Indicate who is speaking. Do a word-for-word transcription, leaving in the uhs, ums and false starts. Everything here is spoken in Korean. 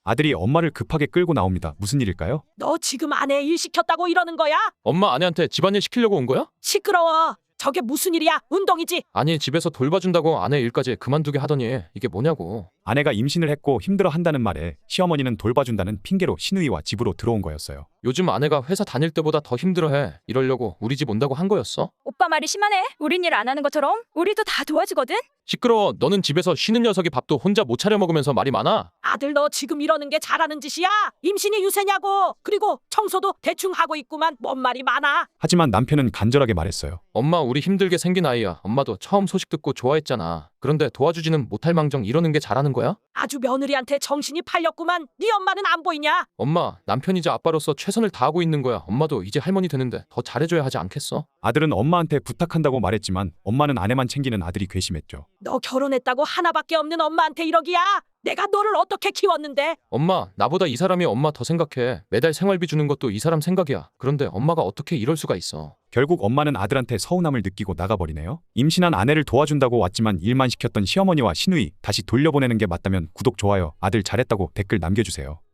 Speaker 1: 아들이 엄마를 급하게 끌고 나옵니다. 무슨 일일까요?
Speaker 2: 너 지금 아내 일 시켰다고 이러는 거야?
Speaker 3: 엄마 아내한테 집안일 시키려고 온 거야?
Speaker 2: 시끄러워. 저게 무슨 일이야? 운동이지.
Speaker 3: 아니 집에서 돌봐준다고 아내 일까지 그만두게 하더니 이게 뭐냐고.
Speaker 1: 아내가 임신을 했고 힘들어 한다는 말에 시어머니는 돌봐준다는 핑계로 시누이와 집으로 들어온 거였어요.
Speaker 3: 요즘 아내가 회사 다닐 때보다 더 힘들어해. 이러려고 우리 집 온다고 한 거였어?
Speaker 4: 오빠 말이 심하네. 우린 일 안 하는 것처럼 우리도 다 도와주거든.
Speaker 3: 시끄러워. 너는 집에서 쉬는 녀석이 밥도 혼자 못 차려 먹으면서 말이 많아.
Speaker 2: 아들 너 지금 이러는 게 잘하는 짓이야? 임신이 유세냐고. 그리고 청소도 대충 하고 있구만. 뭔 말이 많아.
Speaker 1: 하지만 남편은 간절하게 말했어요.
Speaker 3: 엄마 우리 힘들게 생긴 아이야. 엄마도 처음 소식 듣고 좋아했잖아. 그런데 도와주지는 못할 망정 이러는 게 잘하는 거야?
Speaker 2: 아주 며느리한테 정신이 팔렸구만. 네 엄마는 안 보이냐?
Speaker 3: 엄마 남편이자 아빠로서 최선을 다하고 있는 거야. 엄마도 이제 할머니 되는데 더 잘해줘야 하지 않겠어?
Speaker 1: 아들은 엄마한테 부탁한다고 말했지만 엄마는 아내만 챙기는 아들이 괘씸했죠.
Speaker 2: 너 결혼했다고 하나밖에 없는 엄마한테 이러기야? 내가 너를 어떻게 키웠는데?
Speaker 3: 엄마 나보다 이 사람이 엄마 더 생각해. 매달 생활비 주는 것도 이 사람 생각이야. 그런데 엄마가 어떻게 이럴 수가 있어.
Speaker 1: 결국 엄마는 아들한테 서운함을 느끼고 나가버리네요. 임신한 아내를 도와준다고 왔지만 일만 시켰던 시어머니와 시누이 다시 돌려보내는 게 맞다면 구독, 좋아요, 아들 잘했다고 댓글 남겨주세요.